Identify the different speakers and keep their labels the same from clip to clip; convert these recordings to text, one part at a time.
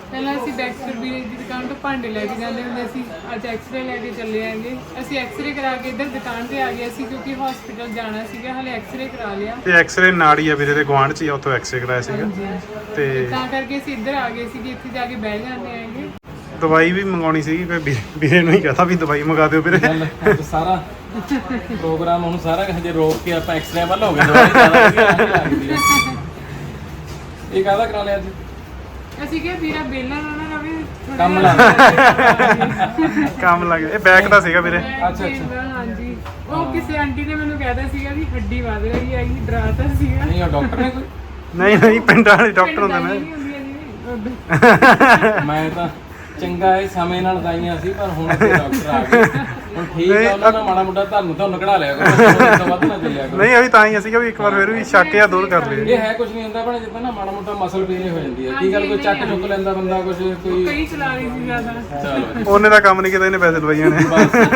Speaker 1: ਪਹਿਲਾਂ ਅਸੀਂ ਡੈਕਸਟਰ ਵੀਰੇ ਦੀ ਦੁਕਾਨ ਤੋਂ ਭਾਂਡੇ ਲੈ ਕੇ ਜਾਂਦੇ ਹੁੰਦੇ ਸੀ। ਅੱਜ ਐਕਸਰੇ ਲੈ ਕੇ ਚੱਲੇ ਆਂਗੇ। ਅਸੀਂ ਐਕਸਰੇ ਕਰਾ ਕੇ ਇੱਧਰ ਦੁਕਾਨ ਤੇ ਆ ਗਏ ਸੀ ਕਿਉਂਕਿ ਹਸਪੀਟਲ ਜਾਣਾ ਸੀਗਾ। ਹਲੇ ਐਕਸਰੇ ਕਰਾ ਲਿਆ
Speaker 2: ਤੇ ਐਕਸਰੇ ਨਾੜੀ ਆ ਵੀਰੇ ਦੇ ਗੁਆਂਢ ਚ ਹੀ, ਉੱਥੋਂ ਐਕਸਰੇ ਕਰਾਇਆ ਸੀਗਾ ਤੇ
Speaker 1: ਤਾਂ ਕਰਕੇ ਅਸੀਂ ਇੱਧਰ ਆ ਗਏ ਸੀ ਕਿ ਇੱਥੇ ਜਾ ਕੇ ਬਹਿ ਜਾਂਦੇ ਆਂਗੇ।
Speaker 2: ਦਵਾਈ ਵੀ ਮੰਗਾਉਣੀ ਸੀਗੀ, ਫਿਰ ਵੀਰੇ ਨੂੰ ਹੀ ਕਹਤਾ ਵੀ ਦਵਾਈ ਮੰਗਾ ਦਿਓ ਵੀਰੇ।
Speaker 3: ਸਾਰਾ ਪ੍ਰੋਗਰਾਮ ਹੁਣ ਸਾਰਾ ਹਜੇ ਰੋਕ ਕੇ ਆਪਾਂ ਐਕਸਰੇ ਵੱਲ ਹੋ ਗਏ। ਦਵਾਈ ਜ਼ਿਆਦਾ ਵਧੀਆ ਲੱਗਦੀ ਹੈ। ਇਹ ਕਾਹਦਾ ਕਰਾ ਲਿਆ ਜੀ?
Speaker 1: ਅਸੀਂ ਕਿਹਾ ਵੀਰਾ ਬੇਲਾ ਨਾ ਰਵੇ,
Speaker 3: ਕੰਮ ਲੱਗ
Speaker 2: ਕੰਮ ਲੱਗ ਇਹ ਬੈਕ ਦਾ ਸੀਗਾ ਵੀਰੇ।
Speaker 3: ਅੱਛਾ।
Speaker 1: ਹਾਂਜੀ, ਉਹ ਕਿਸੇ ਆਂਟੀ ਨੇ ਮੈਨੂੰ ਕਹਿਦਾ ਸੀਗਾ ਵੀ ਹੱਡੀ ਵੱਧ ਰਹੀ ਹੈ, ਇਹ ਡਰਾਤਾ ਸੀਗਾ।
Speaker 3: ਨਹੀਂ ਉਹ ਡਾਕਟਰ ਨੇ ਕੋਈ?
Speaker 2: ਨਹੀਂ ਪਿੰਡਾਂ ਵਾਲੇ ਡਾਕਟਰ ਹੁੰਦੇ ਨੇ।
Speaker 3: ਮੈਂ ਤਾਂ ਚੰਗਾ ਇਹ ਸਮੇਂ ਨਾਲ ਦਾਈਆਂ ਸੀ, ਪਰ ਹੁਣ ਤੇ ਡਾਕਟਰ ਆ ਗਏ। ਹੁਣ ਠੀਕ ਆ, ਉਹਨਾਂ ਦਾ ਮਾੜਾ ਮੋਟਾ ਤੁਹਾਨੂੰ ਕਢਾ ਲਿਆ ਕਰੋ, ਉਸ ਤੋਂ ਵੱਧ ਨਾ ਚੱਲਿਆ ਕਰੋ।
Speaker 2: ਨਹੀਂ ਅਭੀ ਤਾਂ ਹੀ ਸੀਗਾ ਵੀ ਇੱਕ ਵਾਰ ਫਿਰ ਵੀ ਸ਼ੱਕ ਜਾਂ ਦੂਰ ਕਰ ਲਈਏ।
Speaker 3: ਇਹ ਹੈ ਕੁਝ ਨਹੀਂ ਹੁੰਦਾ ਭੈਣੇ, ਜਿੱਦਾਂ ਨਾ ਮਾੜਾ ਮੋਟਾ ਮਸਲ ਪੀਲੇ ਹੋ ਜਾਂਦੀ ਹੈ। ਕੀ ਗੱਲ ਕੋਈ ਚੱਕ ਚੁੱਕ ਲੈਂਦਾ ਬੰਦਾ, ਕੁਝ ਕੋਈ
Speaker 1: ਕਈ ਚਲਾ ਰਹੀ ਸੀ ਜ਼ਿਆਦਾ।
Speaker 3: ਚਲੋ
Speaker 2: ਉਹਨੇ ਦਾ ਕੰਮ ਨਹੀਂ ਕੀਤਾ, ਇਹਨੇ ਪੈਸੇ ਲਵਾਈਆਂ ਨੇ।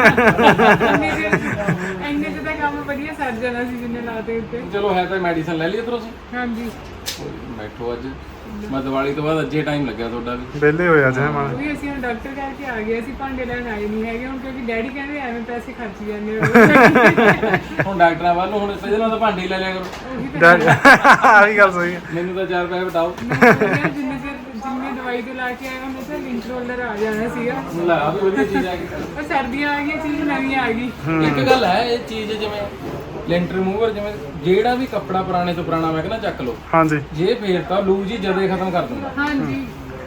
Speaker 1: ਇੰਨੇ ਚ ਤਾਂ ਕੰਮ ਵਧੀਆ ਸਰ ਜਾਣਾ ਸੀ ਜਿੰਨੇ ਲਾਤੇ ਉੱਤੇ।
Speaker 3: ਚਲੋ ਹੈ ਤਾਂ ਮੈਡੀਸਨ ਲੈ ਲਈ ਇੱਧਰੋਂ ਸੀ।
Speaker 1: ਹਾਂਜੀ
Speaker 3: ਬੈਠੋ ਅੱਜ ਮੈਂ ਦੀਵਾਲੀ ਤੋਂ ਬਾਅਦ ਅੱਜੇ ਟਾਈਮ ਲੱਗਿਆ ਤੁਹਾਡਾ ਵੀ।
Speaker 2: ਵਿਹਲੇ ਹੋਇਆ ਜੇ ਮਾਂ
Speaker 1: ਵੀ ਅਸੀਂ ਹੁਣ ਡਾਕਟਰ ਕਰਕੇ ਆ ਗਏ। ਅਸੀਂ ਭਾਂਡੇ ਲੈਣ ਆਏ ਨਹੀਂ ਹੈਗੇ ਹੁਣ, ਕਿਉਂਕਿ ਡੈਡੀ ਕਹਿੰਦੇ ਐਵੇਂ ਪੈਸੇ ਖਰਚ ਜਾਂਦੇ ਹੋ।
Speaker 3: ਹੁਣ ਡਾਕਟਰਾਂ ਵੱਲ ਹੁਣ ਇਹਦੇ ਨਾਲ ਤਾਂ ਭਾਂਡੇ ਹੀ ਲੈ ਲਿਆ ਕਰੋ।
Speaker 2: ਆਹ ਵੀ ਗੱਲ ਸਹੀ ਹੈ।
Speaker 3: ਮੈਨੂੰ ਤਾਂ 4 ਪੈਸੇ ਬਟਾਓ।
Speaker 1: ਜਿੰਨੇ ਦਵਾਈ ਤੇ ਲਾ ਕੇ ਆਏ ਉਹਨੇ ਤਾਂ ਲਿੰਕ ਰੋਲਰ ਆ ਜਾਣਾ ਸੀਗਾ।
Speaker 3: ਲੈ ਆ ਵੀ ਵਧੀਆ ਚੀਜ਼ ਆ ਗਈ।
Speaker 1: ਉਹ ਸਰਦੀਆਂ ਆ ਗਈਆਂ, ਚੀਜ਼ ਨਵੀਂ ਆ ਗਈ।
Speaker 3: ਇੱਕ ਗੱਲ ਹੈ, ਇਹ ਚੀਜ਼ ਜਿਵੇਂ ਲੈਂਟਰ ਰਿਮੂਵਰ, ਜਿਵੇਂ ਜਿਹੜਾ ਵੀ ਕੱਪੜਾ ਪੁਰਾਣੇ ਤੋਂ ਪੁਰਾਣਾ ਮੈਂ ਕਹਿੰਦਾ ਚੱਕ ਲਓ,
Speaker 2: ਹਾਂਜੀ
Speaker 3: ਜੇ ਫੇਰਤਾ ਲੂਜ ਹੀ ਜਦੇ ਖਤਮ ਕਰ ਦਿੰਦਾ।
Speaker 1: ਹਾਂਜੀ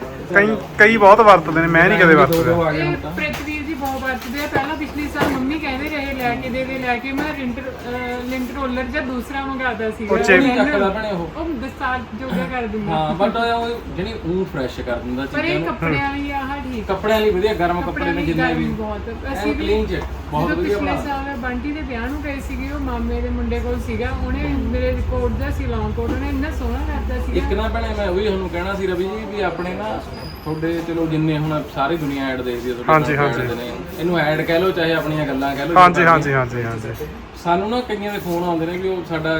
Speaker 2: ਕਈ ਬਹੁਤ ਵਰਤਦੇ ਨੇ, ਮੈਂ ਨਹੀਂ ਕਦੇ ਵਰਤਦਾ।
Speaker 3: ਆ ਗਿਆ ਹੁਣ
Speaker 1: ਇਹ
Speaker 3: ਤਾਂ
Speaker 1: ਪ੍ਰਿਥਵੀਰ ਜੀ ਬਹੁਤ ਵਰਤਦੇ ਆ। ਪਹਿਲਾਂ ਪਿਛਲੇ ਸਾਲ ਮੰਮੀ ਕਹਿੰਦੇ ਰਹੇ ਲੈ ਕੇ ਦੇ ਲੈ ਕੇ, ਮੈਂ ਲਿੰਕ ਰੋਲਰ ਜਾਂ ਦੂਸਰਾ ਮੰਗਾਦਾ ਸੀਗਾ।
Speaker 3: ਨਹੀਂ ਚੱਕਦਾ ਭੈਣੇ ਉਹ
Speaker 1: ਦਸਤਾਰ ਜੋਗਾ ਕਰ ਦਿੰਦਾ।
Speaker 3: ਹਾਂ, ਬਟ ਉਹ ਜਿਹੜੀ ਉਹ ਫਰੈਸ਼ ਕਰ ਦਿੰਦਾ
Speaker 1: ਪਰ
Speaker 3: ਚੀਜ਼ਾਂ
Speaker 1: ਇਹ
Speaker 3: ਨੂੰ।
Speaker 1: ਕੱਪੜਿਆਂ ਲਈ ਆਹ ਠੀਕ।
Speaker 3: ਕੱਪੜਿਆਂ ਲਈ ਵਧੀਆ, ਗਰਮ ਕੱਪੜੇ ਨੇ ਜਿੰਨੇ ਵੀ
Speaker 1: ਬਹੁਤ। ਅਸੀਂ ਵੀ
Speaker 3: ਕਲੀਨ ਚ ਬਹੁਤ
Speaker 1: ਜਦੋਂ
Speaker 3: ਵਧੀਆ
Speaker 1: ਪਿਛਲੇ
Speaker 3: ਬਣਾ।
Speaker 1: ਸਾਲ ਬੰਟੀ ਦੇ ਵਿਆਹ ਨੂੰ ਗਏ ਸੀਗੇ, ਉਹ ਮਾਮੇ ਦੇ ਮੁੰਡੇ ਕੋਲ ਸੀਗਾ। ਉਹਨੇ ਮੇਰੇ ਕੋਟ ਦਾ ਸੀ, ਲੌਂਗ ਕੋਟ, ਉਹਨੇ ਇੰਨਾ ਸੋਹਣਾ ਕਰਦਾ ਸੀ।
Speaker 3: ਇੱਕ ਨਾ ਭੈਣੇ ਮੈਂ ਉਹੀ ਤੁਹਾਨੂੰ ਕਹਿਣਾ ਸੀ ਰਵੀ ਜੀ, ਵੀ ਆਪਣੇ ਨਾ ਤੁਹਾਡੇ ਚਲੋ ਜਿੰਨੇ ਹੁਣ ਸਾਰੀ ਦੁਨੀਆ ਐਡ ਦੇਖਦੀ ਹੈ ਤੁਹਾਡੇ
Speaker 2: ਹਾਂਜੀ।
Speaker 3: ਇਹਨੂੰ ਐਡ ਕਹਿ ਲਓ ਚਾਹੇ ਆਪਣੀਆਂ ਗੱਲਾਂ ਕਹਿ ਲਓ।
Speaker 2: ਹਾਂਜੀ
Speaker 3: ਸਾਨੂੰ ਨਾ ਕਈਆਂ ਦੇ ਫੋਨ ਆਉਂਦੇ ਨੇ ਵੀ ਉਹ ਸਾਡਾ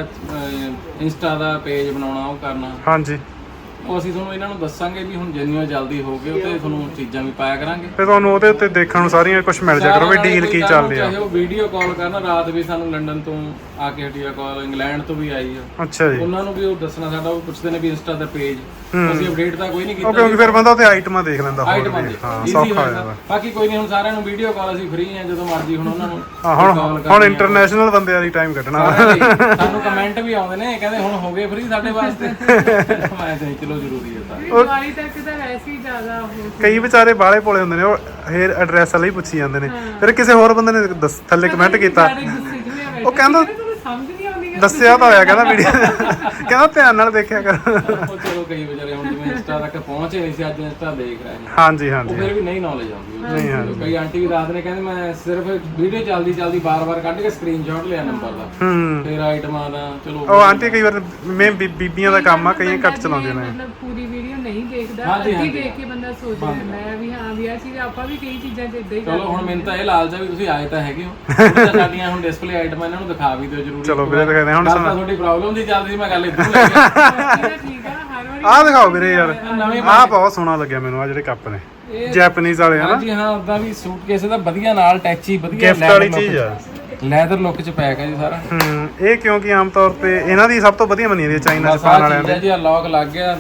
Speaker 3: ਇੰਸਟਾ ਦਾ ਪੇਜ ਬਣਾਉਣਾ, ਉਹ ਕਰਨਾ।
Speaker 2: ਹਾਂਜੀ
Speaker 3: ਉਹ ਅਸੀਂ ਤੁਹਾਨੂੰ ਇਹਨਾਂ ਨੂੰ ਦੱਸਾਂਗੇ ਵੀ ਹੁਣ ਜਿੰਨੀਆਂ ਜਲਦੀ ਹੋ ਗਏ ਤੇ ਤੁਹਾਨੂੰ ਚੀਜ਼ਾਂ ਵੀ ਪਾਇਆ ਕਰਾਂਗੇ।
Speaker 2: ਫਿਰ ਤੁਹਾਨੂੰ ਉਹਦੇ ਉੱਤੇ ਦੇਖਣ ਨੂੰ ਸਾਰੀਆਂ ਕੁਝ ਮਿਲ ਜਾ ਕਰੋ ਵੀ ਡੀਲ ਕੀ ਚੱਲ ਰਿਹਾ।
Speaker 3: ਚਾਹੇ ਉਹ ਵੀਡੀਓ ਕਾਲ ਕਰਨਾ, ਰਾਤ ਵੀ ਸਾਨੂੰ ਲੰਡਨ ਤੋਂ ਆ ਕੇ ਹਟੀ ਆ ਕਾਲ, ਇੰਗਲੈਂਡ ਤੋਂ ਵੀ ਆਈ ਆ।
Speaker 2: ਅੱਛਾ ਜੀ।
Speaker 3: ਉਹਨਾਂ ਨੂੰ ਵੀ ਉਹ ਦੱਸਣਾ, ਸਾਡਾ ਉਹ ਪੁੱਛਦੇ ਨੇ ਵੀ ਇੰਸਟਾ ਦਾ ਪੇਜ ਅਸੀਂ ਅਪਡੇਟ ਤਾਂ ਕੋਈ ਨਹੀਂ ਕੀਤਾ।
Speaker 2: ਕਿਉਂਕਿ ਫਿਰ ਬੰਦਾ ਉੱਤੇ ਆਈਟਮਾਂ ਦੇਖ ਲੈਂਦਾ।
Speaker 3: ਆਈਟਮਾਂ
Speaker 2: ਹਾਂ ਸੌਖਾ ਹੋ ਜਾਂਦਾ।
Speaker 3: ਬਾਕੀ ਕੋਈ ਨਹੀਂ, ਹੁਣ ਸਾਰਿਆਂ ਨੂੰ ਵੀਡੀਓ ਕਾਲ ਅਸੀਂ ਫ੍ਰੀ ਆ, ਜਦੋਂ ਮਰਜ਼ੀ ਹੁਣ ਉਹਨਾਂ ਨੂੰ
Speaker 2: ਹੁਣ ਇੰਟਰਨੈਸ਼ਨਲ ਬੰਦਿਆਂ ਦੀ ਟਾਈਮ ਕੱਢਣਾ।
Speaker 3: ਸਾਨੂੰ ਕਮੈਂਟ ਵੀ ਆਉਂਦੇ ਨੇ, ਕਹਿੰਦੇ ਹੁਣ ਹੋ ਗਏ ਫ੍ਰੀ ਸਾਡੇ ਵਾਸਤੇ। ਮੈਂ ਤਾਂ ਚਲੋ ਜ਼ਰੂਰੀ ਹੈ ਤਾਂ।
Speaker 1: ਦੀਵਾਲੀ ਤੱਕ ਤਾਂ ਵੈਸੇ ਹੀ ਜ਼ਿਆਦਾ
Speaker 2: ਕਈ ਵਿਚਾਰੇ ਬਾਲੇ ਭੋਲੇ ਹੁੰਦੇ ਨੇ, ਉਹ ਹੇਅਰ ਐਡਰੈਸ ਵਾਲਾ ਹੀ ਪੁੱਛੀ ਜਾਂਦੇ ਨੇ। ਫਿਰ ਕਿਸੇ ਹੋਰ ਬੰਦੇ ਨੇ ਥੱਲੇ ਕਮੈਂਟ ਕੀਤਾ, ਉਹ ਕਹਿੰਦਾ
Speaker 1: ਸਮਝ ਨਹੀਂ ਆਉਂਦੀ।
Speaker 2: ਦੱਸਿਆ ਤਾਂ ਹੋਇਆ, ਕਹਿੰਦਾ ਵੀਡੀਓ ਕਹਿੰਦਾ ਧਿਆਨ ਨਾਲ ਦੇਖਿਆ ਕਰ।
Speaker 3: ਉਹ ਚਲੋ ਕਈ ਵਿਚਾਰੇ ਹੁਣ ਜਿਵੇਂ ਇੰਸਟਾ ਤੱਕ ਪਹੁੰਚੇ ਨਹੀਂ ਸੀ, ਅੱਜ ਇੰਸਟਾ ਦੇਖ ਰਹੇ ਨੇ।
Speaker 2: ਹਾਂਜੀ
Speaker 3: ਉਹ ਫਿਰ ਵੀ ਨਹੀਂ ਨੌਲੇਜ ਆਉਂਦੀ।
Speaker 2: ਨਹੀਂ
Speaker 3: ਕਈ ਆਂਟੀ ਵੀ ਰਾਤ ਨੇ ਕਹਿੰਦੇ ਮੈਂ ਸਿਰਫ ਵੀਡੀਓ ਚੱਲਦੀ ਬਾਰ-ਬਾਰ ਕੱਢ ਕੇ ਸਕਰੀਨਸ਼ਾਟ ਲਿਆ ਨੰਬਰ ਦਾ, ਫਿਰ ਆਈਟਮਾਂ ਦਾ। ਚਲੋ
Speaker 2: ਉਹ ਆਂਟੀ ਕਈ ਵਾਰ ਮੈਂ ਬੀਬੀਆਂ ਦਾ ਕੰਮ ਆ, ਕਈਆਂ ਘੱਟ ਚਲਾਉਂਦੀਆਂ ਨੇ।
Speaker 1: ਮਤਲਬ ਪੂਰੀ ਵੀਡੀਓ ਨਹੀਂ ਦੇਖਦਾ, ਅੱਧੀ ਦੇਖ ਕੇ ਬੰਦਾ ਸੋਚ ਲੈਂਦਾ ਹੈ ਵੀ ਹਾਂ ਵੀ ਆ ਚੀਜ਼ ਆਪਾਂ ਵੀ ਕਈ ਚੀਜ਼ਾਂ ਤੇ ਇਦਾਂ ਹੀ
Speaker 3: ਚਲੋ ਹੁਣ ਮੈਨੂੰ ਤਾਂ ਇਹ ਲਾਲਚ ਆ ਵੀ ਤੁਸੀਂ ਆਏ ਤਾਂ ਹੈਗੇ ਹੋ। ਸਾਡੀਆਂ ਹੁਣ ਡਿਸਪਲੇ ਆਈਟਮਾਂ ਇਹਨਾਂ ਨੂੰ ਦਿਖਾ ਵੀ ਦਿਓ ਜ਼ਰੂਰੀ।
Speaker 2: ਚਲੋ ਵੀਰੇ ਦਿਖਾਉਂਦੇ ਹੁਣ।
Speaker 3: ਗੱਲ ਤਾਂ ਤੁਹਾਡੀ ਪ੍ਰੋਬਲਮ ਦੀ ਚੱਲਦੀ ਸੀ, ਮੈਂ ਗੱਲ ਇੱਧਰ ਲੈ ਗਿਆ।
Speaker 1: ਠੀਕ ਆ। ਹਰ ਵਾਰੀ
Speaker 2: ਆਹ ਦਿਖਾਓ ਵੀਰੇ ਯਾਰ, ਆਹ ਬਹੁਤ ਸੋਹਣਾ ਲੱਗਿਆ ਮੈਨੂੰ। ਆ ਜਿਹੜੇ ਕੱਪ ਨੇ ਜੈਪਨੀਜ਼ ਵਾਲੇ ਹਨਾ।
Speaker 3: ਹਾਂਜੀ ਹਾਂ, ਉਦਾਂ ਵੀ ਸੂਟਕੇਸ ਦਾ ਵਧੀਆ ਨਾਲ ਟੈਚੀ ਵਧੀਆ
Speaker 2: ਗਿਫਟ ਵਾਲੀ ਚੀਜ਼ ਆ।
Speaker 3: ਲੈਦਰ ਲੁੱਕ ਚ ਪੈਕ ਹੈ ਜੀ ਸਾਰਾ।
Speaker 2: ਇਹ ਕਿਉਂਕਿ ਆਮ ਤੌਰ ਤੇ ਇਹਨਾਂ ਦੀ ਸਭ ਤੋਂ ਵਧੀਆ ਮੰਨੀ ਜਾਂਦੀ ਹੈ ਚਾਈਨਾ ਚ ਪਾਉਣ ਵਾਲਿਆਂ ਦੀ।
Speaker 3: ਜੀ ਲੌਕ ਲੱਗ ਗਿਆ।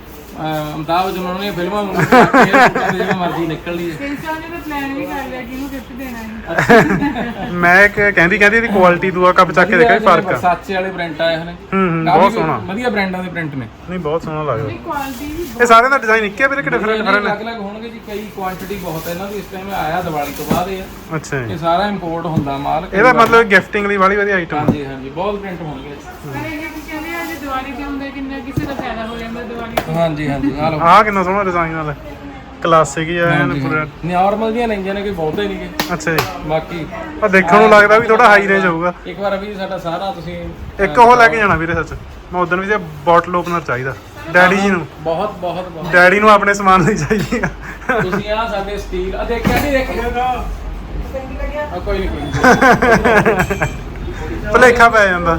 Speaker 3: ਅਮਤਾਬ ਜਮਾਨ ਨੇ ਫਿਲਮਾਂ ਜਿਵੇਂ ਮਰਜ਼ੀ ਨਿਕਲ ਲਈ।
Speaker 1: ਸੈਂਸਰ ਨੇ ਤਾਂ ਪਲਾਨ ਵੀ ਕਰ ਲਿਆ ਕਿ ਇਹਨੂੰ ਗਿਫਟ ਦੇਣਾ ਹੈ।
Speaker 2: ਮੈਂ ਕਹਿੰਦੀ ਇਹਦੀ ਕੁਆਲਿਟੀ ਦੂਆ ਕੱਪ ਚੱਕ ਕੇ ਦੇਖਿਆ ਫਰਕ ਆ।
Speaker 3: ਸਾਚੇ ਵਾਲੇ ਪ੍ਰਿੰਟ ਆਏ ਹਨ।
Speaker 2: ਬਹੁਤ ਸੋਹਣਾ,
Speaker 3: ਵਧੀਆ ਬ੍ਰਾਂਡਾਂ ਦੇ ਪ੍ਰਿੰਟ ਨੇ।
Speaker 2: ਨਹੀਂ ਬਹੁਤ ਸੋਹਣਾ ਲੱਗਦਾ।
Speaker 1: ਕੁਆਲਿਟੀ ਵੀ
Speaker 2: ਇਹ ਸਾਰਿਆਂ ਦਾ ਡਿਜ਼ਾਈਨ ਇੱਕੇ ਵੀਰੇ ਕਿ ਡਿਫਰੈਂਟ ਨੇ?
Speaker 3: ਅਲੱਗ-ਅਲੱਗ ਹੋਣਗੇ ਜੀ, ਕਈ ਕੁਆਂਟੀਟੀ ਬਹੁਤ ਹੈ ਇਹਨਾਂ ਦੀ। ਇਸ ਟਾਈਮ ਆਇਆ ਦੀਵਾਲੀ ਤੋਂ ਬਾਅਦ ਇਹ।
Speaker 2: ਅੱਛਾ ਜੀ।
Speaker 3: ਇਹ ਸਾਰਾ ਇੰਪੋਰਟ ਹੁੰਦਾ ਮਾਲ।
Speaker 2: ਇਹਦਾ ਮਤਲਬ ਗਿਫਟਿੰਗ ਲਈ ਵਾਲੀ ਵਧੀਆ ਆਈਟਮ।
Speaker 3: ਹਾਂਜੀ ਬਹੁਤ ਪ੍ਰਿੰਟ ਹੋਣਗੇ।
Speaker 1: ਪਰ ਇਹ ਕੀ ਕਹਿੰਦੇ ਆ, ਜੇ ਦੀਵਾਲੀ ਤੇ ਹੁੰਦਾ ਕਿੰਨਾ ਕਿਸੇ ਦਾ ਫਾਇਦਾ ਹੋ ਜਾਂਦਾ ਦੀਵਾਲੀ ਤੇ।
Speaker 3: ਹਾਂਜੀ ਆ ਲਓ।
Speaker 2: ਆਹ ਕਿੰਨਾ ਸੋਹਣਾ ਡਿਜ਼ਾਈਨ ਵਾਲਾ, ਕਲਾਸਿਕ ਹੀ ਆ ਐਨ ਪੂਰਾ।
Speaker 3: ਨਾਰਮਲ ਦੀਆਂ ਲੈਂਦੀਆਂ ਨੇ, ਕੋਈ ਬਹੁਤੇ ਨਹੀਂਗੇ।
Speaker 2: ਅੱਛਾ ਜੀ।
Speaker 3: ਬਾਕੀ
Speaker 2: ਆ ਦੇਖਣ ਨੂੰ ਲੱਗਦਾ ਵੀ ਥੋੜਾ ਹਾਈ ਰੇਂਜ ਹੋਊਗਾ।
Speaker 3: ਇੱਕ ਵਾਰ ਵੀ ਸਾਡਾ ਸਾਰਾ ਤੁਸੀਂ
Speaker 2: ਇੱਕ ਉਹ ਲੈ ਕੇ ਜਾਣਾ ਵੀਰੇ, ਸੱਚ ਮੈਂ ਉਦੋਂ ਵੀ ਤੇ ਬੋਟਲ ਓਪਨਰ ਚਾਹੀਦਾ ਡੈਡੀ ਜੀ ਨੂੰ।
Speaker 3: ਬਹੁਤ
Speaker 2: ਡੈਡੀ ਨੂੰ ਆਪਣੇ ਸਮਾਨ ਲਈ ਚਾਹੀਦੀ ਆ।
Speaker 3: ਤੁਸੀਂ ਆ ਸਾਡੇ ਸਟੀਲ ਆ ਦੇਖਿਆ ਨਹੀਂ ਦੇਖਿਆ ਕੋਈ ਨਹੀਂ
Speaker 2: ਭੁਲੇਖਾ ਪੈ ਜਾਂਦਾ।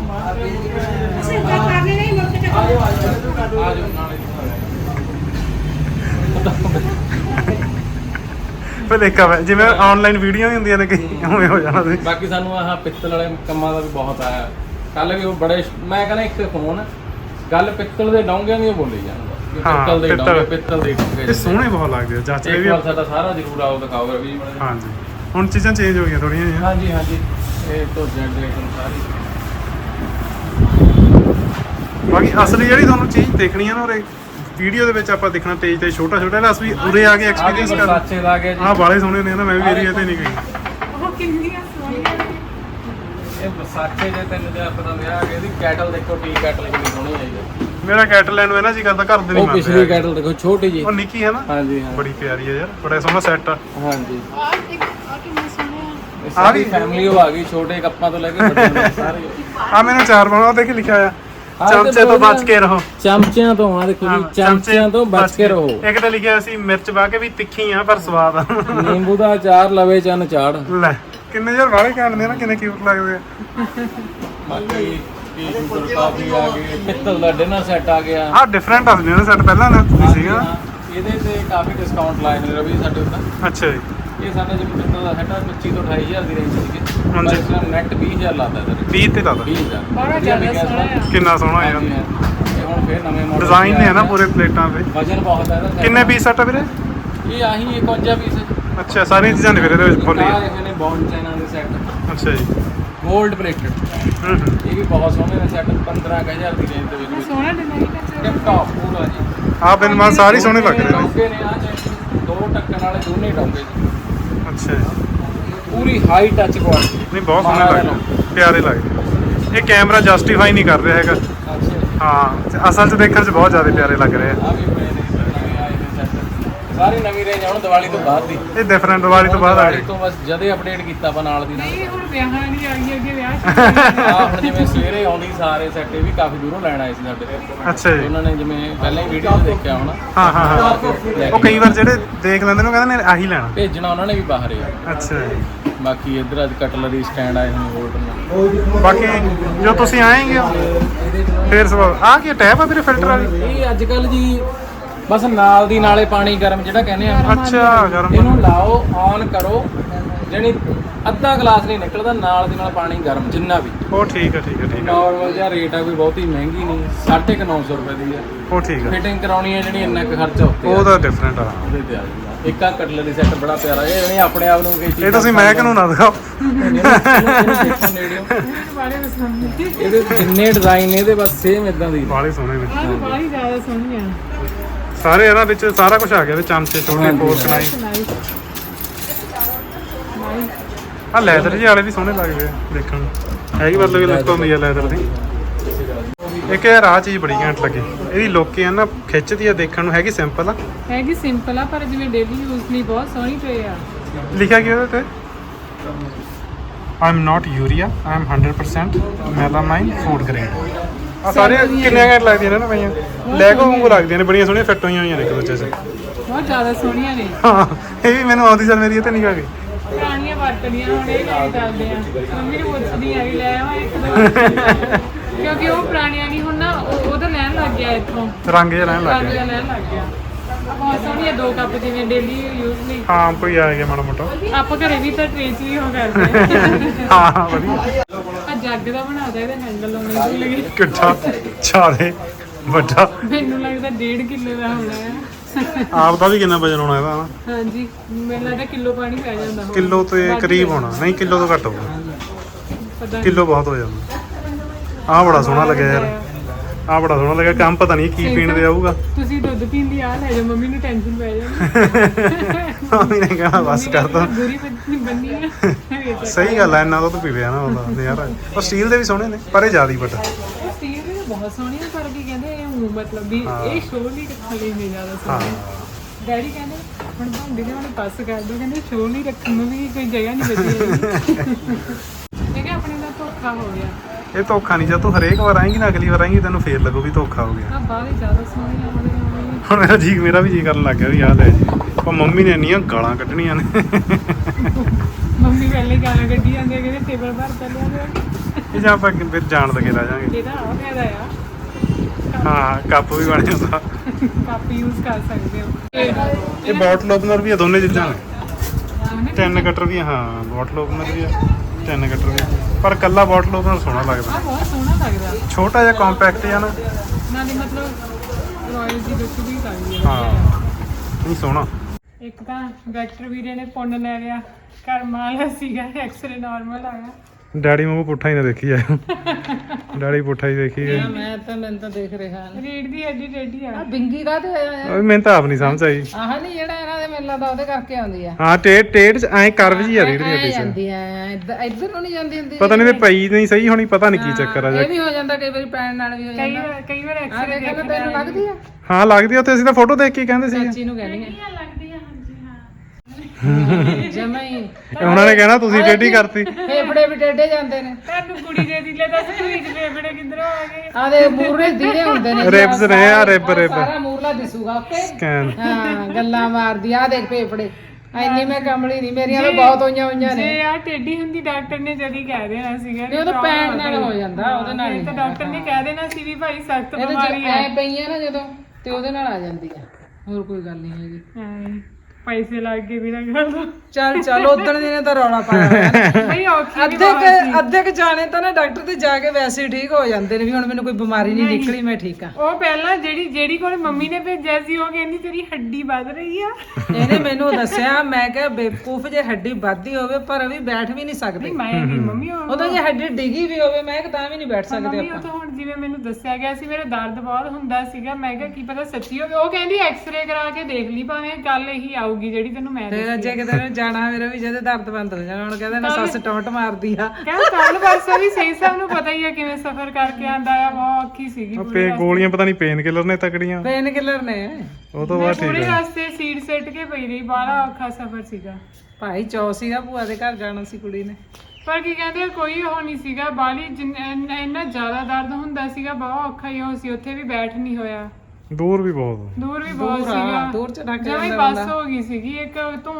Speaker 3: ਆ ਜਾਓ ਨਾਲੇ
Speaker 2: ਫਿਰ ਦੇਖਾ ਵਾ ਜਿਵੇਂ ਆਨਲਾਈਨ ਵੀਡੀਓ ਵੀ ਹੁੰਦੀਆਂ ਨੇ ਕਈ ਉਵੇਂ ਹੋ ਜਾਣਾ ਸੀ।
Speaker 3: ਬਾਕੀ ਸਾਨੂੰ ਆਹ ਪਿੱਤਲ ਵਾਲੇ ਕੰਮਾਂ ਦਾ ਵੀ ਬਹੁਤ ਆਇਆ। ਕੱਲ ਵੀ ਉਹ ਬੜੇ ਮੈਂ ਕਹਿੰਦਾ ਇੱਕ ਫੋਨ ਗੱਲ ਪਿੱਤਲ ਦੇ ਡੋਂਗਿਆਂ ਦੀ ਬੋਲੀ ਜਾਂਦਾ। ਪਿੱਤਲ ਦੇ ਡੋਂਗੇ, ਪਿੱਤਲ ਦੇ ਡੋਂਗੇ
Speaker 2: ਇਹ ਸੋਹਣੇ ਬਹੁਤ ਲੱਗਦੇ ਆ, ਜੱਚਦੇ ਵੀ ਆ।
Speaker 3: ਸਾਡਾ ਸਾਰਾ ਜ਼ਰੂਰ ਆਓ ਦਿਖਾਓ ਰਵੀ।
Speaker 2: ਹਾਂਜੀ ਹੁਣ ਚੀਜ਼ਾਂ ਚੇਂਜ ਹੋ ਗਈਆਂ ਥੋੜੀਆਂ ਜਿਹੀਆਂ।
Speaker 3: ਹਾਂਜੀ ਹਾਂਜੀ ਇਹ ਤੋਂ ਜਨਰੇਸ਼ਨ ਸਾਰੀ।
Speaker 2: ਬਾਕੀ ਅਸਲੀ ਜਿਹੜੀ ਤੁਹਾਨੂੰ ਚੀਜ਼ ਦੇਖਣੀ ਆ ਨਾ ਉਰੇ ਵੀਡੀਓ ਦੇ ਵਿੱਚ ਆਪਾਂ ਦੇਖਣਾ ਤੇਜ਼ ਤੇ ਛੋਟਾ ਛੋਟਾ ਨਾ ਅਸੀਂ ਉਰੇ ਆ ਕੇ ਐਕਸਪੀਰੀਅੰਸ ਕਰਨਾ।
Speaker 3: ਸਾਚੇ ਲਾ ਕੇ
Speaker 2: ਆਹ ਬਾਲੇ ਸੋਹਣੇ ਨੇ ਨਾ, ਮੈਂ ਵੀ ਏਰੀਆ ਤੇ ਨਹੀਂ ਗਈ।
Speaker 1: ਉਹ ਕਿੰਨੀਆਂ ਸੋਹਣੀਆਂ ਨੇ।
Speaker 3: ਇਹ ਸਾਚੇ ਜੇ ਤੈਨੂੰ ਜੇ ਆਪਣਾ ਵਿਆਹ ਆ ਗਿਆ ਇਹਦੀ ਕੈਟਲ ਦੇਖੋ, ਟੀ ਕੈਟਲ ਕਿੰਨੀ ਸੋਹਣੀ ਆਈ ਹੈ।
Speaker 2: ਮੇਰਾ ਕੈਟਲ ਲੈਣ ਨੂੰ ਇਹਨਾਂ ਜੀ ਕਰਦਾ ਘਰ ਦੇ ਨਹੀਂ
Speaker 3: ਉਹ
Speaker 2: ਮੰਨਦੇ।
Speaker 3: ਪਿਛਲੀ ਕੈਟਲ ਦੇਖੋ ਛੋਟੀ ਜੀ।
Speaker 2: ਉਹ ਨਿੱਕੀ ਹੈ ਨਾ।
Speaker 3: ਹਾਂਜੀ ਹਾਂ
Speaker 2: ਬੜੀ ਪਿਆਰੀ ਹੈ ਯਾਰ, ਬੜਾ ਸੋਹਣਾ ਸੈੱਟ ਆ।
Speaker 3: ਹਾਂਜੀ
Speaker 1: ਆਹ ਕਿੰਨੇ ਸੋਹਣੇ ਆ।
Speaker 3: ਸਾਰੀ ਫੈਮਿਲੀ ਉਹ ਆ ਗਈ, ਛੋਟੇ ਕੱਪਾਂ ਤੋਂ ਲੈ ਕੇ ਵੱਡੇ ਤੱਕ ਸਾਰੇ।
Speaker 2: ਆ ਮੈਨੂੰ ਚਾਰ ਬਣਾਉਣਾ ਦੇਖ ਲਿਖਿਆ ਆ, ਚਮਚੇ ਤੋਂ ਬਚ ਕੇ ਰਹੋ।
Speaker 3: ਚਮਚਿਆਂ ਤੋਂ ਆ ਦੇਖੋ ਜੀ, ਚਮਚਿਆਂ ਤੋਂ ਬਚ ਕੇ ਰਹੋ।
Speaker 2: ਇੱਕ ਤਾਂ ਲਿਖਿਆ ਸੀ ਮਿਰਚ ਪਾ ਕੇ ਵੀ ਤਿੱਖੀ ਆ ਪਰ ਸਵਾਦ ਆ।
Speaker 3: ਨਿੰਬੂ ਦਾ ਅਚਾਰ ਲਵੇ ਚੰਨ ਚਾੜ।
Speaker 2: ਲੈ ਕਿੰਨੇ ਯਾਰ ਵਾਲੇ ਕਹਿੰਦੇ ਨਾ, ਕਿੰਨੇ ਕਿਊਟ ਲੱਗਦੇ ਆ।
Speaker 3: ਬਾਕੀ ਟੀ ਕਾਫੀ ਆ ਗਈ, ਪਿੱਤਲ ਦਾ ਡਿਨਰ ਸੈੱਟ ਆ ਗਿਆ।
Speaker 2: ਆ ਡਿਫਰੈਂਟ ਆ ਨੇ ਸੈੱਟ ਪਹਿਲਾਂ ਨਾ ਸੀਗਾ।
Speaker 3: ਹਾਂ, ਇਹਦੇ ਤੇ ਕਾਫੀ ਡਿਸਕਾਊਂਟ ਲਾਏ ਨੇ ਰਵੀ ਸਾਡੇ ਉੱਤੇ।
Speaker 2: ਅੱਛਾ ਜੀ।
Speaker 3: ਇਹ ਸਾਡਾ ਜਿਵੇਂ ਪਿੱਤਲ ਦਾ ਸੈੱਟ 25 ਤੋਂ 28000 ਦੀ ਰੇਂਜ ਸੀਗੀ।
Speaker 2: ਹਾਂਜੀ।
Speaker 3: ਇਸ ਟਾਈਮ ਨੈਟ 20000 ਲਾਦਾ ਇਹਦੇ
Speaker 2: 20 ਤੇ ਲਾ ਦੋ।
Speaker 3: 20000
Speaker 1: ਬੜਾ ਜ਼ਿਆਦਾ ਸੋਹਣਾ ਆ।
Speaker 2: ਕਿੰਨਾ ਸੋਹਣਾ ਯਾਰ,
Speaker 3: ਹਾਂਜੀ, ਹਾਂ। ਇਹ ਹੁਣ ਫੇਰ ਨਵੇਂ ਮਾਡਲ
Speaker 2: ਡਿਜ਼ਾਈਨ ਨੇ ਨਾ ਪੂਰੇ ਪਲੇਟਾਂ ਤੇ।
Speaker 3: ਵਜਨ ਬਹੁਤ ਹੈ ਇਹਦਾ।
Speaker 2: ਕਿੰਨੇ ਪੀਸ ਸੈੱਟ ਆ ਵੀਰੇ?
Speaker 3: ਇਹ ਆਹੀ 51 ਪੀਸ ਹੈ।
Speaker 2: ਅੱਛਾ ਸਾਰੀਆਂ ਚੀਜ਼ਾਂ ਨੇ ਵੀਰੇ ਇਹਦੇ ਵਿੱਚ ਖੋਲੀ।
Speaker 3: ਇਹ ਨੇ ਬੌਂਡ ਚਾਈਨਾ ਦੇ ਸੈੱਟ,
Speaker 2: ਅੱਛਾ ਜੀ।
Speaker 3: Gold plated.
Speaker 2: ਹੂੰ ਹੂੰ।
Speaker 3: ਇਹ ਵੀ ਬਹੁਤ ਸੋਹਣੇ ਨੇ ਸੈੱਟ, 15000 ਦੀ ਰੇਂਜ ਦੇ ਵਿੱਚ।
Speaker 1: ਸੋਹਣਾ ਡਿਜ਼ਾਈਨ ਆ।
Speaker 3: ਟਿਪ ਟੌਪ ਪੂਰਾ ਜੀ।
Speaker 2: ਆ ਬਿਨਮਾਨ ਸਾਰੇ ਸੋਹਣੇ ਲੱਗ ਰਹੇ ਨੇ।
Speaker 3: ਡੋਂਗੇ ਨੇ ਆ ਦੋ ਟੱਕਣ ਵਾਲੇ ਦੋਨੇ ਡੋਂਗੇ ਜੀ।
Speaker 2: ਅੱਛਾ ਜੀ।
Speaker 3: ਪੂਰੀ ਹਾਈ ਟੱਚ ਕੁਆਲਿਟੀ।
Speaker 2: ਨਹੀਂ ਬਹੁਤ ਸੋਹਣੇ ਲੱਗਦੇ, ਪਿਆਰੇ ਲੱਗਦੇ। ਇਹ ਕੈਮਰਾ ਜਸਟੀਫਾਈ ਨਹੀਂ ਕਰ ਰਿਹਾ ਹੈਗਾ।
Speaker 3: ਅੱਛਾ
Speaker 2: ਹਾਂ ਅਸਲ 'ਚ ਦੇਖਣ 'ਚ ਬਹੁਤ ਜ਼ਿਆਦਾ ਪਿਆਰੇ ਲੱਗ ਰਹੇ ਆ।
Speaker 3: ਆ ਵੀ ਪਏ ਨੇ ਨਵੇਂ ਆਏ ਨੇ ਸੈੱਟ। ਸਾਰੀ ਨਵੀਂ ਰੇਂਜ ਹੁਣ ਦੀਵਾਲੀ ਤੋਂ ਬਾਅਦ ਦੀ।
Speaker 2: ਇਹ ਡਿਫਰੈਂਟ ਦੀਵਾਲੀ ਤੋਂ ਬਾਅਦ ਆ
Speaker 3: ਦੀਵਾਲੀ
Speaker 2: ਗਏ।
Speaker 3: ਤੋਂ ਬਸ ਜਦੇ ਅਪਡੇਟ ਕੀਤਾ ਵਾ ਨਾਲ ਦੀ ਨਾਲ।
Speaker 1: ਨਹੀਂ ਹੁਣ ਵਿਆਹਾਂ ਦੀ ਆ ਗਈ, ਅੱਗੇ ਵਿਆਹ ਸ਼ੁਰੂ
Speaker 3: ਆ ਹੁਣ ਜਿਵੇਂ ਸਵੇਰੇ ਆਉਂਦੀ ਸਾਰੇ ਸੈੱਟ ਇਹ ਵੀ ਕਾਫੀ ਦੂਰੋਂ ਲੈਣ ਆਏ ਸੀ ਸਾਡੇ ਕੋਲ।
Speaker 2: ਅੱਛਾ ਜੀ।
Speaker 3: ਉਹਨਾਂ ਨੇ ਜਿਵੇਂ ਪਹਿਲਾਂ ਹੀ ਵੀਡੀਓ 'ਚ ਦੇਖਿਆ ਹੋਣਾ।
Speaker 2: ਹਾਂ ਹਾਂ ਹਾਂ। ਉਹ ਕਈ ਵਾਰ ਜਿਹੜੇ ਦੇਖ ਲੈਂਦੇ ਨੇ ਉਹ ਕਹਿੰਦੇ ਨੇ ਆਹੀ ਲੈਣਾ।
Speaker 3: ਭੇਜਣਾ ਉਹਨਾਂ ਨੇ ਵੀ ਬਾਹਰ ਹੀ ਆ।
Speaker 2: ਅੱਛਾ ਜੀ।
Speaker 3: ਬਾਕੀ ਇੱਧਰ ਅੱਜ ਕਟਲਰੀ ਸਟੈਂਡ ਆਏ ਹੋਏ ਹੋਲਡਰ ਨਾਲ।
Speaker 2: ਬਾਕੀ ਜੋ ਤੁਸੀਂ ਆਏਂਗੇ ਫਿਰ ਸਵਾਲ ਆ ਕੀ ਟੈਪ ਆ ਵੀਰੇ ਫਿਲਟਰ ਵਾਲੀ?
Speaker 3: ਇਹ ਅੱਜ ਕੱਲ ਜੀ ਬਸ ਨਾਲ ਦੀ ਨਾਲੇ ਪਾਣੀ ਗਰਮ ਜਿਹੜਾ ਕਹਿੰਦੇ ਆ
Speaker 2: ਅੱਛਾ ਗਰਮ।
Speaker 3: ਇਹਨੂੰ ਲਾਓ ਔਨ ਕਰੋ, ਜਾਣੀ ਅੱਧਾ ਗਲਾਸ ਨਹੀਂ ਨਿਕਲਦਾ, ਨਾਲ ਦੀ ਨਾਲ ਪਾਣੀ ਗਰਮ ਜਿੰਨਾ ਵੀ।
Speaker 2: ਉਹ ਠੀਕ ਹੈ ਠੀਕ ਹੈ ਠੀਕ ਹੈ।
Speaker 3: ਨਾਰਮਲ ਜਿਹਾ ਰੇਟ ਆ, ਕੋਈ ਬਹੁਤੀ ਮਹਿੰਗੀ ਨਹੀਂ, 950 ਰੁਪਏ ਦੀ ਆ।
Speaker 2: ਉਹ ਠੀਕ ਹੈ।
Speaker 3: ਫਿਟਿੰਗ ਕਰਾਉਣੀ ਹੈ ਜਿਹੜੀ ਇੰਨਾ ਕੁ ਖਰਚਾ ਉੱਤੇ ਆ।
Speaker 2: ਉਹਦਾ ਡਿਫਰੈਂਟ ਆ।
Speaker 3: ਉਹਦੇ ਤੇ ਆ ਜਾਂਦਾ। ਇੱਕ ਆ ਕਟਲਰੀ ਸੈੱਟ ਬੜਾ ਪਿਆਰਾ, ਇਹ ਨਹੀਂ ਆਪਣੇ ਆਪ ਨੂੰ ਕੋਈ ਚੀਜ਼
Speaker 2: ਇਹ ਤੁਸੀਂ ਮਹਿਕ ਨੂੰ ਨਾ ਦਿਖਾਓ।
Speaker 3: ਇਹਨੂੰ ਦੇਖੋ ਨੇੜਿਓਂ।
Speaker 1: ਬਾਰੇ ਪਸੰਦ
Speaker 3: ਇਹਦੇ ਜਿੰਨੇ ਡਿਜ਼ਾਈਨ ਨੇ ਇਹਦੇ ਬਸ ਸੇਮ ਇਦਾਂ ਦੀ।
Speaker 2: ਬਾਲੇ ਸੋਹਣੇ ਨੇ
Speaker 1: ਆਹ ਬੜਾ ਹੀ ਜ਼ਿਆਦਾ ਸੋਹਣੀ ਆ।
Speaker 2: ਸਾਰੇ ਇਹਨਾਂ ਵਿੱਚ ਸਾਰਾ ਕੁਝ ਆ ਗਿਆ ਤੇ ਚਮਚੇ ਛੋਟੇ ਫੋਰਕ ਨਾਈਫ।
Speaker 1: ਨਾਈਸ
Speaker 2: ਆ ਲੈਦਰ ਜਿਹੇ ਵਾਲੇ ਵੀ ਸੋਹਣੇ ਲੱਗਦੇ ਆ ਦੇਖਣ ਨੂੰ। ਹੈਗੀ ਮਤਲਬ ਕਿ ਲੁੱਕ ਹੁੰਦੀ ਆ ਲੈਦਰ ਦੀ। ਇੱਕ ਯਾਰ ਆਹ ਚੀਜ਼ ਬੜੀ ਘੈਂਟ ਲੱਗੀ, ਇਹਦੀ ਲੁੱਕ ਆ ਨਾ ਖਿੱਚਦੀ ਆ ਦੇਖਣ ਨੂੰ। ਹੈਗੀ ਸਿੰਪਲ ਆ,
Speaker 1: ਹੈਗੀ ਸਿੰਪਲ ਆ ਪਰ ਜਿਵੇਂ ਡੇਲੀ ਯੂਜ਼ ਲਈ ਬਹੁਤ ਸੋਹਣੀ ਪਈ ਆ।
Speaker 2: ਲਿਖਿਆ ਕੀ ਉਹਦੇ ਤੇ? I am not urea, I am 100% melamine food grade। ਆ ਸਾਰੇ ਕਿੰਨੀਆਂ ਘੈਂਟ ਲੱਗਦੀਆਂ ਨੇ ਨਾ ਪਈਆਂ, ਲੈਗੋ ਵਾਂਗੂ ਲੱਗਦੀਆਂ ਨੇ, ਬੜੀਆਂ ਸੋਹਣੀਆਂ ਫਿੱਟ ਹੋਈਆਂ ਹੋਈਆਂ ਨੇ ਇੱਕ ਦੂਜੇ 'ਚ।
Speaker 1: ਬਹੁਤ ਜ਼ਿਆਦਾ ਸੋਹਣੀਆਂ ਨੇ।
Speaker 2: ਹਾਂ ਇਹ ਵੀ ਮੈਨੂੰ ਆਉਂਦੀ ਚੱਲ ਮੇਰੀ ਇਹ ਤੇ ਨਹੀਂ ਗਈ।
Speaker 1: ਪੁਰਾਣੀਆਂ ਵਰਤਣੀਆਂ ਹੁਣ ਇਹ ਲੈ ਚੱਲਦੇ ਆ। ਮੰਮੀ ਨੂੰ ਪੁੱਛਦੀ ਆ ਵੀ ਲੈ ਆਵਾਂ ਇੱਕ ਦੋ, ਕਿਉਂਕਿ ਉਹ ਪੁਰਾਣੀਆਂ ਨਹੀਂ ਹੁਣ ਨਾ ਉਹਦਾ ਲੈਣ ਲੱਗ ਗਿਆ ਇੱਥੋਂ,
Speaker 2: ਰੰਗ ਜਿਹਾ ਰਹਿਣ ਲੱਗ
Speaker 1: ਰੰਗ
Speaker 2: ਗਿਆ।
Speaker 1: ਜਿਹਾ ਲੈਣ ਲੱਗ ਗਿਆ। ਆਹ ਬਹੁਤ ਸੋਹਣੀ ਆ, 2 ਕੱਪ ਜਿਵੇਂ ਡੇਲੀ ਯੂਜ਼ ਲਈ।
Speaker 2: ਹਾਂ ਕੋਈ ਆ ਗਿਆ ਮਾੜਾ ਮੋਟਾ।
Speaker 1: ਆਪਾਂ ਘਰੇ ਵੀ ਤਾਂ ਟ੍ਰੇਸ ਵੀ ਉਹ ਕਰਦੇ ਆ।
Speaker 2: ਹਾਂ ਵਧੀਆ।
Speaker 1: ਆ ਜੱਗ ਦਾ ਬਣਾਦਾ, ਇਹਦੇ ਹੈਂਡਲ ਲਾਉਣੇ ਵੀ ਲੱਗੇ।
Speaker 2: ਕਿੱਡਾ ਚਾਰੇ ਵੱਡਾ।
Speaker 1: ਮੈਨੂੰ ਲੱਗਦਾ 1.5 ਕਿਲੋ ਦਾ ਹੋਣਾ ਆ।
Speaker 2: ਆਪ ਦਾ ਵੀ ਕਿੰਨਾ ਵਜਨ ਹੋਣਾ ਇਹਦਾ ਨਾ?
Speaker 1: ਹਾਂਜੀ ਮੈਨੂੰ ਲੱਗਦਾ ਕਿਲੋ ਪਾਣੀ ਪੈ ਜਾਂਦਾ ਹੋਊ।
Speaker 2: ਕਿਲੋ ਤੇ ਕਰੀਬ ਹੋਣਾ, ਨਹੀਂ ਕਿਲੋ ਤੋਂ ਘੱਟ ਹੋਊਗਾ।
Speaker 1: ਪਤਾ ਨੀ।
Speaker 2: ਕਿਲੋ ਬਹੁਤ ਹੋ ਜਾਂਦਾ। ਆਹ ਬੜਾ ਸੋਹਣਾ ਲੱਗਿਆ ਯਾਰ, ਆਹ ਬੜਾ ਸੋਹਣਾ ਲੱਗਿਆ। ਕੰਮ ਪਤਾ ਨਹੀਂ ਕੀ ਪੀਣ ਦੇ ਆਊਗਾ।
Speaker 1: ਤੁਸੀਂ ਦੁੱਧ ਪੀਂਦੀ ਆ ਲੈ ਜਾ, ਮੰਮੀ ਨੂੰ ਟੈਨਸ਼ਨ ਪੈ ਜਾਂਦੀ।
Speaker 2: ਮੰਮੀ ਨੇ ਕਹਿਣਾ ਬਸ ਕਰ ਦੋ।
Speaker 1: ਬੁਰੀ ਬੰਨੀ ਆ।
Speaker 2: ਸਹੀ ਗੱਲ ਐ, ਇੰਨਾ ਦੁੱਧ ਪੀਵਿਆ ਨਾ ਉਹਦਾ ਯਾਰ। ਉਹ ਸਟੀਲ ਦੇ ਵੀ ਸੋਹਣੇ ਨੇ ਪਰ ਇਹ ਜ਼ਿਆਦਾ ਹੀ ਵੱਡਾ।
Speaker 1: ਸਟੀਲ ਦੇ ਬਹੁਤ ਸੋਹਣੀਆਂ, ਪਰ ਕੀ ਕਹਿੰਦੇ ਇਹ ਊਂ ਮਤਲਬ ਵੀ ਇਹ ਸ਼ੋਅ ਲਈ ਰੱਖਣ ਲਈ ਨਹੀਂ ਜ਼ਿਆਦਾ ਸੋਹਣੇ। ਡੈਡੀ ਕਹਿੰਦੇ ਹੁਣ ਭਾਂਡੇ ਦੇ ਹੁਣ ਪਾਸ ਕਰ ਦੋ, ਕਹਿੰਦੇ ਸ਼ੋਅ ਲਈ ਰੱਖਣ ਨੂੰ ਵੀ ਕੋਈ ਜਗ੍ਹਾ ਨਹੀਂ ਬਚੀ ਹੈਗੀ। ਇਹ ਕਿ ਆਪਣੇ ਨਾਲ ਧੋਖਾ ਹੋ ਗਿਆ।
Speaker 2: ਇਹ ਧੋਖਾ ਨਹੀਂ, ਜਦ ਤੂੰ ਹਰੇਕ ਵਾਰ ਆਏਂਗੀ ਨਾ ਅਗਲੀ ਵਾਰ ਆਏਂਗੀ ਤੈਨੂੰ ਫੇਰ ਲੱਗੂ ਵੀ ਧੋਖਾ ਹੋ ਗਿਆ।
Speaker 1: ਆ ਬਾਹਰ ਜ਼ਿਆਦਾ ਸੋਹਣੀਆਂ ਹੋਣੀਆਂ।
Speaker 2: ਹੁਣ ਮੇਰਾ ਵੀ ਜੀ ਕਰਨ ਲੱਗ ਗਿਆ ਵੀ ਆਹ ਲੈ ਜੀ। ਉਹ ਮੰਮੀ ਨੇ ਇੰਨੀਆਂ ਗਾਲਾਂ ਕੱਢਣੀਆਂ ਨੇ।
Speaker 1: ਮੰਮੀ ਪਹਿਲੇ ਗਾਲਾਂ ਕੱਢੀ ਜਾਂਦੇ, ਕਹਿੰਦੇ ਟੇਬਲ ਭਰ ਚੱਲਿਆ
Speaker 2: ਇਹ ਜਾਂ ਆਪਾਂ ਫਿਰ ਜਾਣ ਲੱਗੇ ਰਹਿ ਜਾਾਂਗੇ।
Speaker 1: ਇਹਦਾ ਆ ਫਾਇਦਾ ਆ,
Speaker 2: ਹਾਂ ਕੱਪ ਵੀ ਬਣ ਜਾਂਦਾ।
Speaker 1: ਕੱਪ ਯੂਜ਼ ਕਰ ਸਕਦੇ ਹੋ।
Speaker 2: ਇਹ ਬੋਟਲ ਓਪਨਰ ਵੀ ਆ, ਦੋਨੇ ਚੀਜ਼ਾਂ ਨੇ। ਟੈਨ ਕਟਰ ਵੀ ਆ, ਹਾਂ ਬੋਟਲ ਓਪਨਰ ਵੀ ਆ, ਟੈਨ ਕਟਰ ਵੀ ਆ। ਪਰ ਕੱਲਾ ਬੋਟਲ ਓਪਨਰ ਸੋਹਣਾ ਲੱਗਦਾ,
Speaker 1: ਆਹ ਬਹੁਤ ਸੋਹਣਾ ਲੱਗਦਾ,
Speaker 2: ਛੋਟਾ ਜਿਹਾ ਕੰਪੈਕਟ ਜਿਹਾ ਨਾ।
Speaker 1: ਨਾਲੇ ਮਤਲਬ ਰਾਇਲ ਦੀ ਲੁੱਕ ਵੀ ਲੱਗਦੀ ਹੈ।
Speaker 2: ਹਾਂ ਨਹੀਂ ਸੋਹਣਾ।
Speaker 1: ਇੱਕ ਤਾਂ ਵੈਕਟਰ ਵੀਰੇ ਨੇ ਪੁੰਨ ਲੈ ਲਿਆ, ਘਰ ਮਾਲ ਸੀਗਾ ਐਕਸਰੇ ਨਾਰਮਲ ਆਇਆ।
Speaker 2: ਡੈਡੀ ਮੂੰਹ ਪੁੱਠਾ ਹੀ ਨਾ ਦੇਖੀ ਜਾਏ, ਡੈਡੀ ਪੁੱਠਾ ਹੀ ਦੇਖੀ ਗਏ।
Speaker 4: ਮੈਨੂੰ ਤਾਂ ਦੇਖ ਰਿਹਾ
Speaker 1: ਰੀੜ ਦੀ ਐਡੀ ਟੇਢੀ ਆ।
Speaker 4: ਬਿੰਗੀ ਕਾਹਦੇ ਹੋਇਆ ਯਾਰ?
Speaker 2: ਮੈਨੂੰ ਤਾਂ ਆਪ ਨਹੀਂ ਸਮਝ ਆਈ।
Speaker 4: ਆਹ ਨਹੀਂ ਜਿਹੜਾ ਇਹਨਾਂ ਦੇ ਮੇਲਾ ਦਾ ਉਹਦੇ ਕਰਕੇ ਆਉਂਦੀ ਆ।
Speaker 2: ਹਾਂ ਟੇਢ ਚ ਐ ਕਰਵ ਜੀ ਆ ਰੀੜ ਦੀ ਹੱਡੀ ਚ।
Speaker 4: ਜਾਂਦੀ ਆ ਇੱਧਰ ਨੂੰ ਨਹੀਂ ਜਾਂਦੀ ਹੁੰਦੀ।
Speaker 2: ਪਤਾ ਨਹੀਂ ਤੇ ਪਈ ਨਹੀਂ ਸਹੀ ਹੋਣੀ, ਪਤਾ ਨਹੀਂ ਕੀ ਚੱਕਰ ਆ
Speaker 4: ਇਹ ਵੀ ਹੋ ਜਾਂਦਾ ਕਈ ਵਾਰੀ ਪੈਣ ਨਾਲ ਵੀ ਹੋ ਜਾਂਦਾ।
Speaker 1: ਕਈ ਵਾਰ
Speaker 4: ਆਹ
Speaker 1: ਐਕਸਰੇ
Speaker 4: ਦੇਖ ਲੈ ਤੈਨੂੰ ਲੱਗਦੀ ਆ?
Speaker 2: ਹਾਂ ਲੱਗਦੀ ਆ, ਉੱਥੇ ਅਸੀਂ ਤਾਂ ਫੋਟੋ ਦੇਖ ਕੇ ਕਹਿੰਦੇ ਸੀ।
Speaker 4: ਚਾਚੀ ਨੂੰ ਕਹਿੰਦੀ
Speaker 1: ਲੱਗਦੀ ਆ। ਹਾਂਜੀ ਹਾਂ
Speaker 4: ਆ ਜਮਾ ਹੀ
Speaker 2: ਉਹਨਾਂ ਨੇ ਕਹਿਣਾ ਤੁਸੀਂ ਟੇਢੀ ਕਰਤੀ।
Speaker 4: ਫੇਫੜੇ ਵੀ ਟੇਢੇ ਜਾਂਦੇ ਨੇ।
Speaker 1: ਤੁਹਾਨੂੰ ਕੁੜੀ ਦੇ ਦਿਲੇ ਦੱਸ ਤੂੰ ਇਜ ਫੇਫੜੇ ਕਿੱਧਰੋਂ ਆ ਗਏ?
Speaker 4: ਆਹ ਦੇ ਮੂਰਲੇ ਦੀਦੇ ਹੁੰਦੇ ਨੇ।
Speaker 2: ਰਿਬਸ ਨੇ ਆ, ਰਿਬ
Speaker 4: ਸਾਰਾ ਮੂਰਲਾ ਦਿਸੂਗਾ ਓਕੇ।
Speaker 2: ਸਕੈਨ।
Speaker 4: ਹਾਂ ਗੱਲਾਂ ਮਾਰਦੀ ਆ ਦੇਖ ਫੇਫੜੇ। ਇੰਨੀ ਮੈਂ ਕਮਲੀ ਨਹੀਂ, ਮੇਰੀਆਂ ਤਾਂ ਬਹੁਤ ਹੋਈਆਂ ਹੋਈਆਂ ਨੇ।
Speaker 1: ਜੇ ਆ ਟੇਢੀ ਹੁੰਦੀ ਡਾਕਟਰ ਨੇ ਜਦੀ ਕਹਿ ਦੇਣਾ ਸੀਗਾ
Speaker 4: ਨਹੀਂ ਉਹ ਤਾਂ ਪੈਣ ਨਾਲ ਹੋ ਜਾਂਦਾ, ਉਹਦੇ ਨਾਲ
Speaker 1: ਤਾਂ ਡਾਕਟਰ ਨੇ ਕਹਿ ਦੇਣਾ ਸੀ ਵੀ ਭਾਈ ਸਖਤ
Speaker 4: ਇਹਦੇ
Speaker 1: ਬਿਮਾਰੀ
Speaker 4: ਚ
Speaker 1: ਆ।
Speaker 4: ਐ ਪਈਆਂ ਨਾ ਜਦੋਂ ਤੇ ਉਹਦੇ ਨਾਲ ਆ ਜਾਂਦੀ ਆ, ਹੋਰ ਕੋਈ ਗੱਲ ਨਹੀਂ ਹੈਗੀ।
Speaker 1: ਹਾਂ, ਪੈਸੇ ਲੱਗ ਕੇ ਵੀ ਨਾ ਕਰ ਦੋ
Speaker 4: ਚੱਲ ਉਦੋਂ ਦਿਨੇ ਤਾਂ ਰੌਲਾ ਪਾਇਆ ਹੋਇਆ।
Speaker 1: ਬਈ ਔਖੀ ਵੀ
Speaker 4: ਅੱਧੇ ਕ ਜਾਣੇ ਤਾਂ ਨਾ ਡਾਕਟਰ ਤੇ ਜਾ ਕੇ ਵੈਸੇ ਹੀ ਠੀਕ ਹੋ ਜਾਂਦੇ ਨੇ ਵੀ ਹੁਣ ਮੈਨੂੰ ਕੋਈ ਬਿਮਾਰੀ ਨਹੀਂ ਨਿਕਲੀ, ਮੈਂ ਠੀਕ ਆ।
Speaker 1: ਉਹ ਪਹਿਲਾਂ ਜਿਹੜੀ ਕੋਲ ਮੰਮੀ ਨੇ ਭੇਜਿਆ ਸੀ ਉਹ ਕਹਿੰਦੀ ਤੇਰੀ ਹੱਡੀ ਵੱਧ ਰਹੀ ਆ।
Speaker 4: ਇਹਨੇ ਮੈਨੂੰ ਦੱਸਿਆ, ਮੈਂ ਕਿਹਾ ਬੇਵਕੂਫ ਜੇ ਹੱਡੀ ਵੱਧਦੀ ਹੋਵੇ ਪਰ ਵੀ ਬੈਠ ਵੀ ਨਹੀਂ ਸਕਦੇ।
Speaker 1: ਮੈਂ ਨਹੀਂ ਮੰਮੀ
Speaker 4: ਉਹ ਤਾਂ ਜੇ ਹੱਡੀ ਡਿੱਗੀ ਵੀ ਹੋਵੇ ਮੈਂ ਤਾਂ ਵੀ ਨਹੀਂ ਬੈਠ ਸਕਦੇ
Speaker 1: ਮੰਮੀ
Speaker 4: ਆਪਾਂ।
Speaker 1: ਉਹ ਤਾਂ ਹੁਣ ਜਿਵੇਂ ਮੈਨੂੰ ਦੱਸਿਆ ਗਿਆ ਸੀ ਮੇਰੇ ਦਰਦ ਬਹੁਤ ਹੁੰਦਾ ਸੀਗਾ, ਮੈਂ ਕਿਹਾ ਕੀ ਪਤਾ ਸੱਚੀ ਹੋਵੇ। ਉਹ ਕਹਿੰਦੀ ਐਕਸਰੇ ਕਰਾ ਕੇ ਦੇਖ ਲਈ, ਭਾਵੇਂ ਗੱਲ ਇਹੀ ਆਊਗੀ ਜਿਹੜੀ ਤੈਨੂੰ ਮੈਂ
Speaker 4: ਫਿਰ ਜੇ ਕਿਤੇ ਨੂੰ ਜਾਣਾ ਮੇਰਾ ਵੀ ਜਦੇ ਦਰਦ ਬੰਦ ਹੋ ਜਾਣਾ। ਹੁਣ ਕਹਿੰਦੇ ਨਾ ਸੱਸ ਟੌਂਟ ਮਾਰਦੀ ਆ।
Speaker 1: ਕਹਿੰਦਾ ਕੱਲ ਪਰਸੋਂ ਵੀ ਸਹੀ ਸਾਹਿਬ ਨੂੰ ਪਤਾ ਹੀ ਆ ਕਿਵੇਂ ਸਫ਼ਰ ਕਰਕੇ ਆਂਦਾ ਆ, ਬਹੁਤ ਔਖੀ ਸੀਗੀ
Speaker 2: ਪੇ ਗੋਲੀਆਂ ਪਤਾ ਨਹੀਂ ਪੇਨ ਕਿਲਰ ਨੇ ਤਕੜੀਆਂ,
Speaker 4: ਪੇਨ ਕਿਲਰ ਨੇ।
Speaker 2: ਉਹ ਤੋਂ ਬਾਅਦ
Speaker 1: ਪੂਰੇ
Speaker 2: ਠੀਕ ਆ।
Speaker 1: ਰਸਤੇ ਸੀਟ ਸੱਟ ਕੇ ਪਈ ਰਹੀ, ਬੜਾ ਔਖਾ ਸਫ਼ਰ ਸੀਗਾ।
Speaker 4: ਭਾਈ ਚੌ ਸੀਗਾ, ਭੂਆ ਦੇ ਘਰ ਜਾਣਾ ਸੀ ਕੁੜੀ ਨੇ।
Speaker 1: ਪਰ ਕੀ ਕਹਿੰਦੇ ਆ, ਕੋਈ ਉਹ ਨਹੀਂ ਸੀਗਾ ਬਾਲੀ, ਇੰਨਾ ਜ਼ਿਆਦਾ ਦਰਦ ਹੁੰਦਾ ਸੀਗਾ, ਬਹੁਤ ਔਖਾ ਹੀ ਉਹ ਸੀ। ਉੱਥੇ ਵੀ ਬੈਠ ਨਹੀਂ ਹੋਇਆ,
Speaker 2: ਦੂਰ ਵੀ ਬਹੁਤ
Speaker 1: ਦੂਰ ਵੀ ਬਹੁਤ ਸੀਗਾ।
Speaker 4: ਦੂਰ ਚ ਡੱਕ
Speaker 1: ਜਿਵੇਂ ਬੱਸ ਹੋ ਗਈ ਸੀਗੀ ਇੱਕ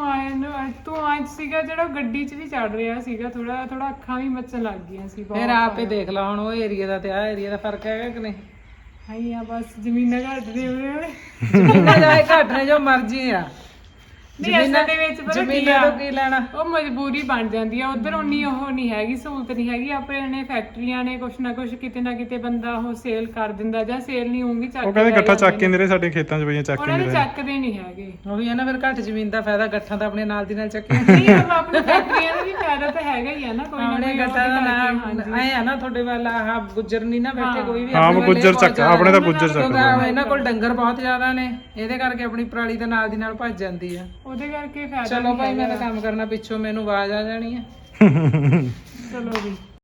Speaker 1: ਧੂਆਂ ਸੀਗਾ ਜਿਹੜਾ ਉਹ ਗੱਡੀ 'ਚ ਵੀ ਚੜ ਰਿਹਾ ਸੀਗਾ। ਥੋੜਾ ਥੋੜਾ ਅੱਖਾਂ ਵੀ ਮੱਚਣ ਲੱਗ ਗਈਆਂ ਸੀ ਬਹੁਤ।
Speaker 4: ਫਿਰ ਆਪੇ ਦੇਖ ਲਾ ਹੁਣ ਉਹ ਏਰੀਆ ਦਾ ਤੇ ਆਹ ਏਰੀਆ ਦਾ ਫਰਕ ਹੈਗਾ ਕਿ ਨਹੀਂ?
Speaker 1: ਹਾਈ ਆ ਬਸ ਜ਼ਮੀਨਾਂ ਘੱਟ ਦੇ ਹੋਏ।
Speaker 4: ਜ਼ਮੀਨਾਂ ਜਾਏ ਘੱਟ ਨੇ ਜੋ ਮਰਜ਼ੀ ਆ।
Speaker 1: ਨਹੀਂ ਅਸਲ ਦੇ ਵਿੱਚ ਪਤਾ ਕੀ
Speaker 4: ਜ਼ਮੀਨਾਂ
Speaker 1: ਆ,
Speaker 4: ਤੋਂ ਕੀ ਲੈਣਾ?
Speaker 1: ਉਹ ਮਜਬੂਰੀ ਬਣ ਜਾਂਦੀ ਆ। ਉਧਰ ਉਨੀ ਉਹ ਨਹੀਂ ਹੈਗੀ, ਸਹੂਲਤ ਨਹੀਂ ਹੈਗੀ। ਆਪਣੇ ਨੇ ਫੈਕਟਰੀਆਂ ਨੇ ਕੁਛ ਨਾ ਕੁਛ ਕਿਤੇ ਨਾ ਕਿਤੇ ਬੰਦਾ ਉਹ ਸੇਲ ਕਰ ਦਿੰਦਾ, ਜਾਂ ਸੇਲ ਨਹੀਂ ਹੋਊਗੀ ਚੱਕ
Speaker 2: ਉਹ ਕਹਿੰਦੇ ਗੱਠਾ ਚੱਕ ਕੇ ਮੇਰੇ ਸਾਡੇ ਖੇਤਾਂ 'ਚ ਪਈਆਂ ਚੱਕ
Speaker 1: ਉਹਨਾਂ
Speaker 2: ਕੇ
Speaker 1: ਨੇ ਚੱਕਦੇ ਨਹੀਂ ਹੈਗੇ।
Speaker 4: ਉਹੀ ਹੈ ਨਾ, ਫਿਰ ਘੱਟ ਜ਼ਮੀਨ ਦਾ ਫਾਇਦਾ ਗੱਠਾਂ ਤਾਂ ਆਪਣੇ ਨਾਲ ਦੀ ਨਾਲ ਚੱਕੇ।
Speaker 1: ਨਹੀਂ ਆਪਣੀ ਫੈਕਟਰੀਆਂ ਦਾ ਵੀ ਫਾਇਦਾ ਤਾਂ ਹੈਗਾ ਹੀ ਆ ਨਾ, ਕੋਈ ਨਾ
Speaker 4: ਆਪਣੇ
Speaker 1: ਕੋਈ
Speaker 4: ਗੱਠਾਂ ਦਾ ਨਾਮ ਐ ਆ ਨਾ ਤੁਹਾਡੇ ਵੱਲ ਆਹ ਗੁੱਜਰ ਨਹੀਂ ਨਾ ਬੈਠੇ ਕੋਈ ਵੀ।
Speaker 2: ਹਾਂ ਗੁੱਜਰ ਚੱਕ, ਆਪਣੇ ਤਾਂ ਗੁੱਜਰ ਚੱਕ
Speaker 4: ਕਿਉਂਕਿ ਇਹਨਾਂ ਕੋਲ ਡੰਗਰ ਬਹੁਤ ਜ਼ਿਆਦਾ ਨੇ, ਇਹਦੇ ਕਰਕੇ ਆਪਣੀ ਪਰਾਲੀ ਦੇ ਨਾਲ ਦੀ ਨਾਲ ਭੱਜ ਜਾਂਦੀ ਆ।
Speaker 1: ਉਹਦੇ ਕਰਕੇ ਫਾਇਦਾ
Speaker 4: ਚਲੋ ਭਾਈ ਮੈਂ ਤਾਂ ਕੰਮ ਕਰਨਾ, ਪਿੱਛੋਂ ਮੈਨੂੰ ਆਵਾਜ਼ ਆ ਜਾਣੀ ਆ।
Speaker 1: ਚਲੋ ਜੀ।